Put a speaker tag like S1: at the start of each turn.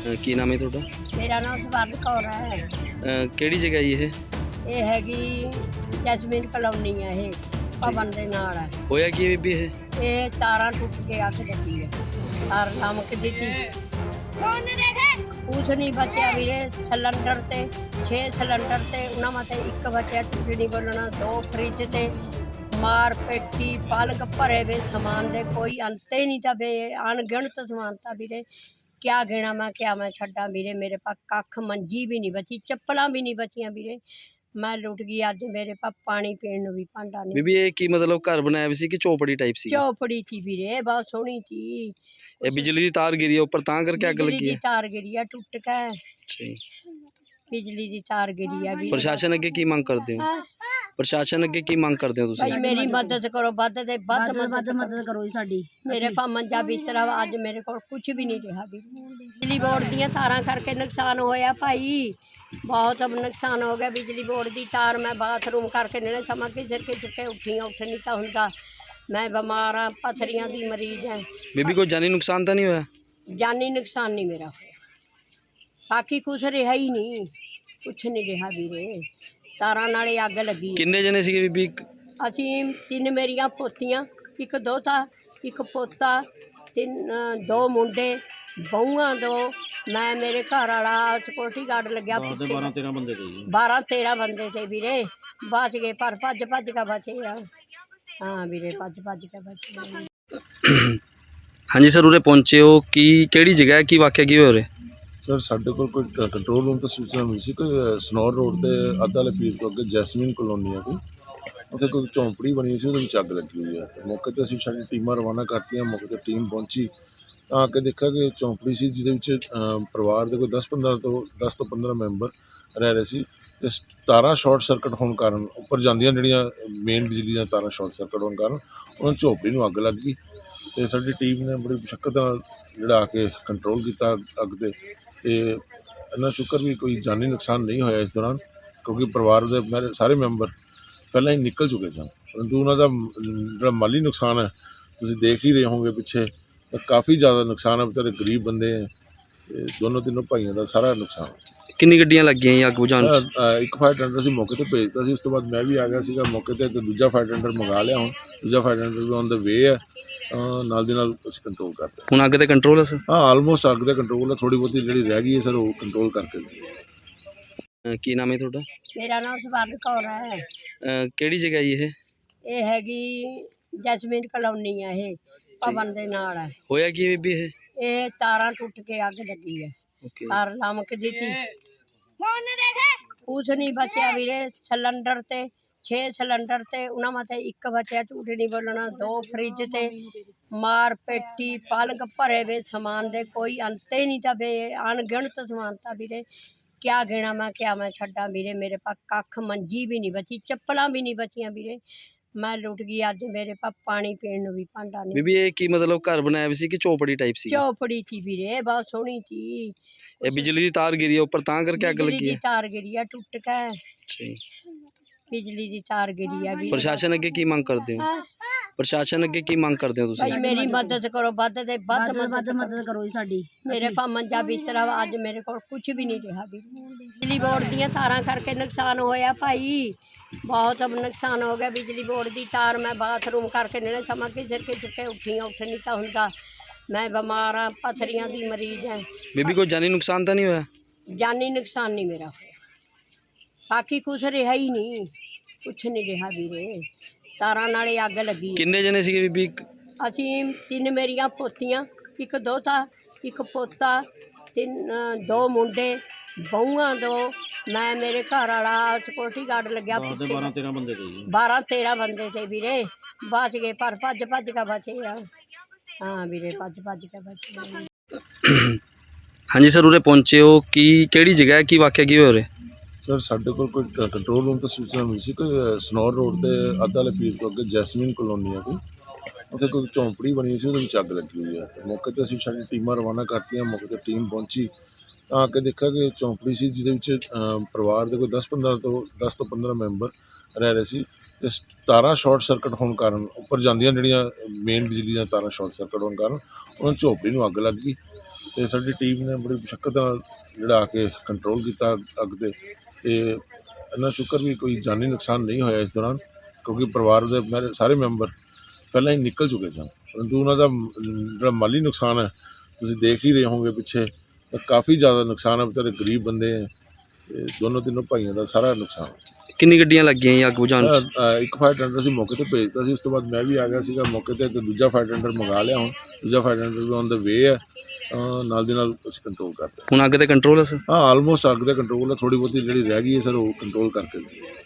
S1: ਕੀ ਨਾਮ ਹੈ ਤੁਹਾਡਾ?
S2: ਮੇਰਾ ਨਾਮ ਸਵਰਨ ਕੌਰ ਹੈ।
S1: ਕਿਹੜੀ ਜਗ੍ਹਾ ਜੀ ਇਹ?
S2: ਇਹ ਹੈਗੀ ਜੈਸਮੀਨ ਕਲੋਨੀ ਹੈ। ਇਹ ਭਵਨ ਦੇ ਨਾਲ ਹੈ।
S1: ਹੋਇਆ ਕੀ ਹੈ ਬੀਬੀ ਇਹ?
S2: ਇਹ ਤਾਰਾਂ ਟੁੱਟ ਕੇ ਅੱਗ ਲੱਗੀ ਹੈ। ਤਾਰ ਲਮਕ ਦਿੱਤੀ, ਕੁਛ ਨਹੀਂ ਬਚਿਆ ਵੀਰੇ। ਸਿਲੰਡਰ ਤੇ 6 ਸਿਲੰਡਰ ਤੇ ਉਹਨਾਂ ਮਤੇ ਇੱਕ ਬਚਿਆ, ਝੂਠ ਨਹੀਂ ਬੋਲਣਾ। 2 ਫਰਿੱਜ ਤੇ ਮਾਰ ਪੇਟੀ ਪਲਕ ਭਰੇ ਵੇ ਸਮਾਨ ਦੇ ਕੋਈ ਅੰਤ ਹੀ ਨਹੀਂ ਤਾਂ ਵੇ। ਅਣਗਿਣਤ ਸਮਾਨ ਤਾਂ ਵੀਰੇ ਕਿਆ ਗਿਣਾ ਮੈਂ, ਕਿਆ ਮੈਂ ਛੱਡਾਂ ਵੀਰੇ। ਮੇਰੇ ਪਾਸ ਕੱਖ ਮੰਜੀ ਵੀ ਨਹੀਂ ਬਚੀ, ਚੱਪਲਾਂ ਵੀ ਨਹੀਂ ਬਚੀਆਂ ਵੀਰੇ। ਮੈਂ ਲੁੱਟ ਗਈ ਅੱਜ। ਮੇਰੇ ਪਾਸ ਪਾਣੀ ਪੀਣ ਨੂੰ ਵੀ ਭਾਂਡਾ ਨਹੀਂ।
S1: ਬੀਬੀ ਇਹ ਕੀ ਮਤਲਬ ਘਰ ਬਣਾਇਆ ਵੀ ਸੀ ਕਿ ਚੌਪੜੀ ਟਾਈਪ ਸੀ?
S2: ਚੌਪੜੀ ਸੀ ਵੀਰੇ, ਬਹੁਤ ਸੋਹਣੀ ਸੀ।
S1: ਇਹ ਬਿਜਲੀ ਦੀ ਤਾਰ ਗਿਰੀ ਹੈ ਉੱਪਰ ਤਾਂ ਕਰਕੇ ਅੱਗ
S2: ਬਿਜਲੀ
S1: ਲੱਗੀ
S2: ਦੀ
S1: ਹੈ?
S2: ਤਾਰ ਗਿਰੀ ਆ, ਟੁੱਟ ਕੇ
S1: ਅੱਛਾ ਜੀ।
S2: ਬਿਜਲੀ ਦੀ ਤਾਰ ਗਿਰੀ ਆ ਵੀਰੇ।
S1: ਪ੍ਰਸ਼ਾਸਨ ਅੱਗੇ ਕੀ ਮੰਗ ਕਰਦੇ ਹੋ?
S2: ਹੈਂ?
S1: ਪ੍ਰਸ਼ਾਸਨ ਅੱਗੇ ਕੀ ਮੰਗ ਕਰਦੇ ਹੋ ਤੁਸੀਂ?
S2: ਭਾਈ ਮੇਰੀ ਮਦਦ ਕਰੋ, ਵੱਧ ਤੇ ਵੱਧ
S3: ਮਦਦ ਕਰੋ ਜੀ ਸਾਡੀ।
S2: ਮੇਰੇ ਪਾ ਮੰਜਾ ਬਿਸਤਰਾ ਵਾ, ਅੱਜ ਮੇਰੇ ਕੋਲ ਕੁਝ ਵੀ ਨਹੀਂ ਰਿਹਾ ਵੀ। ਬਿਜਲੀ ਬੋਰਡ ਦੀਆਂ ਤਾਰਾਂ ਕਰਕੇ ਨੁਕਸਾਨ ਹੋਇਆ ਭਾਈ, ਬਹੁਤ ਨੁਕਸਾਨ ਹੋ ਗਿਆ। ਬਿਜਲੀ ਬੋਰਡ ਦੀ ਤਾਰ ਮੈਂ ਬਾਥਰੂਮ ਕਰਕੇ ਨੇੜੇ ਸਮਾਂ ਕਿਸੇ ਕੇ ਉੱਠੀਆਂ, ਉੱਠ ਨਹੀਂ ਤਾਂ ਹੁੰਦਾ। ਮੈਂ ਬਿਮਾਰ ਹਾਂ, ਪਥਰੀਆਂ ਦੀ ਮਰੀਜ਼ ਹਾਂ।
S1: ਬੀਬੀ ਕੋਈ ਜਾਨੀ ਨੁਕਸਾਨ ਤਾਂ ਨਹੀਂ ਹੋਇਆ?
S2: ਜਾਨੀ ਨੁਕਸਾਨ ਨਹੀਂ ਮੇਰਾ ਹੋਇਆ, ਬਾਕੀ ਕੁਛ ਰਿਹਾ ਹੀ ਨਹੀਂ, ਕੁਛ ਨਹੀਂ ਰਿਹਾ ਵੀਰੇ। ਤਾਰਾਂ ਨਾਲੇ ਅੱਗ ਲੱਗੀ।
S1: ਕਿੰਨੇ ਜਣੇ ਸੀਗੇ ਬੀਬੀ?
S2: ਅਸੀਂ 3 ਮੇਰੀਆਂ ਪੋਤੀਆਂ, ਇੱਕ ਦੋਤਾ, ਇੱਕ ਪੋਤਾ, 2 ਮੁੰਡੇ, ਬਹੂਆਂ 2, ਮੈਂ, ਮੇਰੇ ਘਰ ਵਾਲਾ ਸਿਕਿਉਰਟੀ ਗਾਰਡ ਲੱਗਿਆ।
S1: 12-13 ਬੰਦੇ ਸੀ।
S2: 12-13 ਬੰਦੇ ਤੇ ਵੀਰੇ, ਬਚ ਗਏ ਪਰ ਭੱਜ ਕੇ ਬਚੇ ਆ। ਹਾਂ ਵੀਰੇ, ਭੱਜ ਕੇ ਬਚੇ।
S1: ਹਾਂਜੀ ਸਰ, ਉਰੇ ਪਹੁੰਚੇ ਹੋ, ਕੀ ਕਿਹੜੀ ਜਗ੍ਹਾ ਹੈ, ਕੀ ਵਾਕਿਆ ਕੀ ਹੋਇਆ ਉਰੇ?
S4: ਸਰ ਸਾਡੇ ਕੋਲ ਕੋਈ ਕੰਟਰੋਲ ਰੂਮ ਤੋਂ ਸੂਚਨਾ ਮਿਲੀ ਸੀ ਕਿ ਸਨੌਰ ਰੋਡ ਤੇ ਅੱਧਾ ਲਪੀਰ ਤੋਂ ਅੱਗੇ ਜੈਸਮੀਨ ਕਲੋਨੀ ਆ ਕੋਈ, ਉੱਥੇ ਕੋਈ ਝੌਂਪੜੀ ਬਣੀ ਸੀ, ਉਹਦੇ ਵਿੱਚ ਅੱਗ ਲੱਗੀ ਹੋਈ ਹੈ। ਮੌਕੇ 'ਤੇ ਅਸੀਂ ਸਾਡੀ ਟੀਮਾਂ ਰਵਾਨਾ ਕਰਤੀਆਂ। ਮੌਕੇ 'ਤੇ ਟੀਮ ਪਹੁੰਚੀ ਤਾਂ ਆ ਕੇ ਦੇਖਿਆ ਕਿ ਝੌਂਪੜੀ ਸੀ ਜਿਹਦੇ ਵਿੱਚ ਪਰਿਵਾਰ ਦੇ ਕੋਈ 10 ਤੋਂ 15 ਮੈਂਬਰ ਰਹਿ ਰਹੇ ਸੀ। ਅਤੇ ਤਾਰਾਂ ਸ਼ਾਰਟ ਸਰਕਟ ਹੋਣ ਕਾਰਨ, ਉੱਪਰ ਜਾਂਦੀਆਂ ਜਿਹੜੀਆਂ ਮੇਨ ਬਿਜਲੀ ਦੀਆਂ ਤਾਰਾਂ ਸ਼ਾਰਟ ਸਰਕਟ ਹੋਣ ਕਾਰਨ ਉਹਨਾਂ ਝੌਂਪੜੀ ਨੂੰ ਅੱਗ ਲੱਗ ਗਈ। ਅਤੇ ਸਾਡੀ ਟੀਮ ਨੇ ਬੜੀ ਮੁਸ਼ੱਕਤ ਨਾਲ ਜਿਹੜਾ ਆ ਕੇ ਕੰਟਰੋਲ ਕੀਤਾ ਅੱਗ 'ਤੇ। ਅਤੇ ਇੰਨਾ ਸ਼ੁਕਰ ਵੀ ਕੋਈ ਜਾਨੀ ਨੁਕਸਾਨ ਨਹੀਂ ਹੋਇਆ ਇਸ ਦੌਰਾਨ, ਕਿਉਂਕਿ ਪਰਿਵਾਰ ਦੇ ਮੇਰੇ ਸਾਰੇ ਮੈਂਬਰ ਪਹਿਲਾਂ ਹੀ ਨਿਕਲ ਚੁੱਕੇ ਸਨ। ਪਰੰਤੂ ਉਹਨਾਂ ਦਾ ਜਿਹੜਾ ਮਾਲੀ ਨੁਕਸਾਨ ਹੈ ਤੁਸੀਂ ਦੇਖ ਹੀ ਰਹੇ ਹੋਵੋਗੇ ਪਿੱਛੇ, ਤਾਂ ਕਾਫੀ ਜ਼ਿਆਦਾ ਨੁਕਸਾਨ ਹੈ। ਵਿਚਾਰੇ ਗਰੀਬ ਬੰਦੇ ਹੈ, ਦੋਨੋਂ ਤਿੰਨੋਂ ਭਾਈਆਂ ਦਾ ਸਾਰਾ ਨੁਕਸਾਨ।
S1: ਕਿੰਨੀ ਗੱਡੀਆਂ ਲੱਗੀਆਂ ਜੀ ਅੱਗ ਬੁਝਾਉਣ 'ਚ?
S4: ਇੱਕ ਫਾਇਰ ਟੈਂਡਰ ਅਸੀਂ ਮੌਕੇ 'ਤੇ ਭੇਜਤਾ ਸੀ। ਉਸ ਤੋਂ ਬਾਅਦ ਮੈਂ ਵੀ ਆ ਗਿਆ ਸੀਗਾ ਮੌਕੇ 'ਤੇ, ਅਤੇ ਦੂਜਾ ਫਾਇਰ ਟੈਂਡਰ ਮੰਗਾ ਲਿਆ। ਹੁਣ ਦੂਜਾ ਫਾਇਰ ਟੈਂਡਰ ਵੀ ਔਨ ਦਾ ਵੇ ਹੈ। ਨਾਲ ਦੀ ਨਾਲ ਅਸੀਂ ਕੰਟਰੋਲ ਕਰਦੇ ਹਾਂ।
S1: ਹੁਣ ਅੱਗ ਤੇ ਕੰਟਰੋਲ ਹੈ ਸਰ?
S4: ਹਾਂ, ਆਲਮੋਸਟ ਅੱਗ ਦਾ ਕੰਟਰੋਲ ਹੈ। ਥੋੜ੍ਹੀ ਬਹੁਤੀ ਜਿਹੜੀ ਰਹਿ ਗਈ ਹੈ ਸਰ, ਉਹ ਕੰਟਰੋਲ ਕਰਕੇ।
S1: ਕੀ ਨਾਮ ਹੈ ਤੁਹਾਡਾ?
S2: ਮੇਰਾ ਨਾਮ ਸਵਰਨ ਕੌਰ ਹੈ।
S1: ਕਿਹੜੀ ਜਗ੍ਹਾ ਜੀ ਇਹ?
S2: ਇਹ ਹੈਗੀ ਜੈਸਮੀਨ ਕਲੋਨੀ ਹੈ। ਇਹ ਭਵਨ ਦੇ ਨਾਲ ਹੈ।
S1: ਹੋਇਆ ਕੀ ਹੈ ਬੀਬੀ ਇਹ?
S2: ਇਹ ਤਾਰਾਂ ਟੁੱਟ ਕੇ ਅੱਗ ਲੱਗੀ ਹੈ।
S1: ਓਕੇ।
S2: ਤਾਰ ਲਮਕ ਦਿੱਤੀ, ਕੁਛ ਨਹੀਂ ਬਚਿਆ ਵੀਰੇ। ਸਿਲੰਡਰ ਤੇ 6 ਸਿਲੰਡਰ ਤੇ ਉਹਨਾਂ ਮਤੇ ਇੱਕ ਬਚਿਆ, ਝੂਠ ਨਹੀਂ ਬੋਲਣਾ। 2 ਫਰਿੱਜ ਤੇ ਮਾਰ ਪੇਟੀ ਪਲਕ ਭਰੇ ਵੇ ਸਮਾਨ ਦੇ ਕੋਈ ਅੰਤ ਹੀ ਨਹੀਂ ਤਾਂ ਵੇ। ਅਣਗਿਣਤ ਸਮਾਨ ਤਾਂ ਵੀਰੇ ਕਿਆ ਗਿਣਾ ਮੈਂ, ਕਿਆ ਮੈਂ ਛੱਡਾਂ ਵੀਰੇ। ਮੇਰੇ ਪਾਸ ਕੱਖ ਮੰਜੀ ਵੀ ਨਹੀਂ ਬਚੀ, ਚੱਪਲਾਂ ਵੀ ਨਹੀਂ ਬਚੀਆਂ ਵੀਰੇ। ਮੈਂ ਲੁੱਟ ਗਈ ਅੱਜ। ਮੇਰੇ ਪਾਸ ਪਾਣੀ ਪੀਣ ਨੂੰ ਵੀ ਭਾਂਡਾ ਨਹੀਂ।
S1: ਬੀਬੀ ਇਹ ਕੀ ਮਤਲਬ ਘਰ ਬਣਾਇਆ ਵੀ ਸੀ ਕਿ ਚੌਪੜੀ ਟਾਈਪ ਸੀ?
S2: ਚੌਪੜੀ ਸੀ ਵੀਰੇ, ਬਹੁਤ ਸੋਹਣੀ ਸੀ।
S1: ਇਹ ਬਿਜਲੀ ਦੀ ਤਾਰ ਗਿਰੀ ਹੈ ਉੱਪਰ ਤਾਂ ਕਰਕੇ ਅੱਗ
S2: ਬਿਜਲੀ
S1: ਲੱਗੀ
S2: ਦੀ
S1: ਹੈ?
S2: ਤਾਰ ਗਿਰੀ ਆ, ਟੁੱਟ ਕੇ
S1: ਅੱਛਾ ਜੀ।
S2: ਬਿਜਲੀ ਦੀ ਤਾਰ ਗਿਰੀ ਆ ਵੀਰੇ।
S1: ਪ੍ਰਸ਼ਾਸਨ ਅੱਗੇ ਕੀ ਮੰਗ ਕਰਦੇ ਹੋ?
S2: ਹੈਂ?
S1: ਪ੍ਰਸ਼ਾਸਨ ਅੱਗੇ ਕੀ ਮੰਗ ਕਰਦੇ ਹੋ ਤੁਸੀਂ?
S2: ਭਾਈ ਮੇਰੀ ਮਦਦ ਕਰੋ, ਵੱਧ ਤੇ ਵੱਧ
S3: ਮਦਦ ਕਰੋ ਜੀ ਸਾਡੀ।
S2: ਮੇਰੇ ਪਾ ਮੰਜਾ ਬਿਸਤਰਾ ਵਾ, ਅੱਜ ਮੇਰੇ ਕੋਲ ਕੁਝ ਵੀ ਨਹੀਂ ਰਿਹਾ ਵੀ। ਬਿਜਲੀ ਬੋਰਡ ਦੀਆਂ ਤਾਰਾਂ ਕਰਕੇ ਨੁਕਸਾਨ ਹੋਇਆ ਭਾਈ, ਬਹੁਤ ਨੁਕਸਾਨ ਹੋ ਗਿਆ। ਬਿਜਲੀ ਬੋਰਡ ਦੀ ਤਾਰ ਮੈਂ ਬਾਥਰੂਮ ਕਰਕੇ ਨੇੜੇ ਸਮਾਂ ਕਿਸੇ ਕੇ ਉੱਠੀਆਂ, ਉੱਠ ਨਹੀਂ ਤਾਂ ਹੁੰਦਾ। ਮੈਂ ਬਿਮਾਰ ਹਾਂ, ਪਥਰੀਆਂ ਦੀ ਮਰੀਜ਼ ਹਾਂ।
S1: ਬੀਬੀ ਕੋਈ ਜਾਨੀ ਨੁਕਸਾਨ ਤਾਂ ਨਹੀਂ ਹੋਇਆ?
S2: ਜਾਨੀ ਨੁਕਸਾਨ ਨਹੀਂ ਮੇਰਾ ਹੋਇਆ, ਬਾਕੀ ਕੁਛ ਰਿਹਾ ਹੀ ਨਹੀਂ, ਕੁਛ ਨਹੀਂ ਰਿਹਾ ਵੀਰੇ। ਤਾਰਾਂ ਨਾਲੇ ਅੱਗ ਲੱਗੀ।
S1: ਕਿੰਨੇ ਜਣੇ ਸੀਗੇ ਬੀਬੀ?
S2: ਅਸੀਂ 3 ਮੇਰੀਆਂ ਪੋਤੀਆਂ, ਇੱਕ ਦੋਤਾ, ਇੱਕ ਪੋਤਾ, 2 ਮੁੰਡੇ, ਬਹੂਆਂ 2, ਮੈਂ, ਮੇਰੇ ਘਰ ਵਾਲਾ ਸਿਕਿਉਰਟੀ ਗਾਰਡ ਲੱਗਿਆ।
S1: 12-13 ਬੰਦੇ ਸੀ।
S2: 12-13 ਬੰਦੇ ਤੇ ਵੀਰੇ, ਬਚ ਗਏ ਪਰ ਭੱਜ ਕੇ ਬਚੇ ਆ। ਹਾਂ ਵੀਰੇ, ਭੱਜ ਕੇ ਬਚੇ।
S1: ਹਾਂਜੀ ਸਰ, ਉਰੇ ਪਹੁੰਚੇ ਹੋ, ਕੀ ਕਿਹੜੀ ਜਗ੍ਹਾ ਹੈ, ਕੀ ਵਾਕਿਆ ਕੀ ਹੋਇਆ ਉਰੇ?
S4: ਸਰ ਸਾਡੇ ਕੋਲ ਕੋਈ ਕੰਟਰੋਲ ਰੂਮ ਤੋਂ ਸੂਚਨਾ ਮਿਲੀ ਸੀ ਕਿ ਸਨੌਰ ਰੋਡ ਤੇ ਅੱਧਾ ਲਪੀਰ ਤੋਂ ਅੱਗੇ ਜੈਸਮੀਨ ਕਲੋਨੀ ਆ ਕੋਈ, ਉੱਥੇ ਕੋਈ ਝੌਂਪੜੀ ਬਣੀ ਸੀ, ਉਹਦੇ ਵਿੱਚ ਅੱਗ ਲੱਗੀ ਹੋਈ ਹੈ। ਮੌਕੇ 'ਤੇ ਅਸੀਂ ਸਾਡੀ ਟੀਮਾਂ ਰਵਾਨਾ ਕਰਤੀਆਂ। ਮੌਕੇ 'ਤੇ ਟੀਮ ਪਹੁੰਚੀ ਤਾਂ ਆ ਕੇ ਦੇਖਿਆ ਕਿ ਝੌਂਪੜੀ ਸੀ ਜਿਹਦੇ ਵਿੱਚ ਪਰਿਵਾਰ ਦੇ ਕੋਈ 10 ਤੋਂ 15 ਮੈਂਬਰ ਰਹਿ ਰਹੇ ਸੀ। ਅਤੇ ਤਾਰਾਂ ਸ਼ਾਰਟ ਸਰਕਟ ਹੋਣ ਕਾਰਨ, ਉੱਪਰ ਜਾਂਦੀਆਂ ਜਿਹੜੀਆਂ ਮੇਨ ਬਿਜਲੀ ਦੀਆਂ ਤਾਰਾਂ ਸ਼ਾਰਟ ਸਰਕਟ ਹੋਣ ਕਾਰਨ ਉਹਨਾਂ ਝੌਂਪੜੀ ਨੂੰ ਅੱਗ ਲੱਗ ਗਈ। ਤੇ ਸਾਡੀ ਟੀਮ ਨੇ ਬੜੀ ਮੁਸ਼ੱਕਤ ਨਾਲ ਜਿਹੜਾ ਆ ਕੇ ਕੰਟਰੋਲ ਕੀਤਾ ਅੱਗ ਤੇ ਇੰਨਾ ਸ਼ੁਕਰ ਵੀ ਕੋਈ ਜਾਨੀ ਨੁਕਸਾਨ ਨਹੀਂ ਹੋਇਆ ਇਸ ਦੌਰਾਨ, ਕਿਉਂਕਿ ਪਰਿਵਾਰ ਦੇ ਮੇਰੇ ਸਾਰੇ ਮੈਂਬਰ ਪਹਿਲਾਂ ਹੀ ਨਿਕਲ ਚੁੱਕੇ ਸਨ। ਪਰੰਤੂ ਉਹਨਾਂ ਦਾ ਜਿਹੜਾ ਮਾਲੀ ਨੁਕਸਾਨ ਹੈ ਤੁਸੀਂ ਦੇਖ ਹੀ ਰਹੇ ਹੋਵੋਗੇ ਪਿੱਛੇ, ਤਾਂ ਕਾਫੀ ਜ਼ਿਆਦਾ ਨੁਕਸਾਨ ਹੈ। ਵਿਚਾਰੇ ਗਰੀਬ ਬੰਦੇ ਹੈ, ਤੇ ਦੋਨੋਂ ਤਿੰਨੋਂ ਭਾਈਆਂ ਦਾ ਸਾਰਾ ਨੁਕਸਾਨ।
S1: ਕਿੰਨੀ ਗੱਡੀਆਂ ਲੱਗੀਆਂ ਜੀ ਅੱਗ ਬੁਝਾਉਣ 'ਚ?
S4: ਇੱਕ ਫਾਇਰ ਟੈਂਡਰ ਅਸੀਂ ਮੌਕੇ 'ਤੇ ਭੇਜਤਾ ਸੀ, ਉਸ ਤੋਂ ਬਾਅਦ ਮੈਂ ਵੀ ਆ ਗਿਆ ਸੀਗਾ ਮੌਕੇ 'ਤੇ ਦੂਜਾ ਫਾਇਰ ਟੈਂਡਰ ਮੰਗਾ ਲਿਆ। ਹੁਣ ਦੂਜਾ ਫਾਇਰ ਟੈਂਡਰ ਵੀ ਔਨ ਦਾ ਵੇ ਹੈ, ਨਾਲ ਦੀ ਨਾਲ ਅਸੀਂ ਕੰਟਰੋਲ ਕਰਦੇ
S1: ਹੁਣ ਅੱਗ ਤੇ ਕੰਟਰੋਲ ਹੈ ਸਰ?
S4: ਹਾਂ। ਆਲਮੋਸਟ ਅੱਗ ਦਾ ਕੰਟਰੋਲ ਹੈ, ਥੋੜ੍ਹੀ ਬਹੁਤੀ ਜਿਹੜੀ ਰਹਿ ਗਈ ਹੈ ਸਰ ਉਹ ਕੰਟਰੋਲ ਕਰਕੇ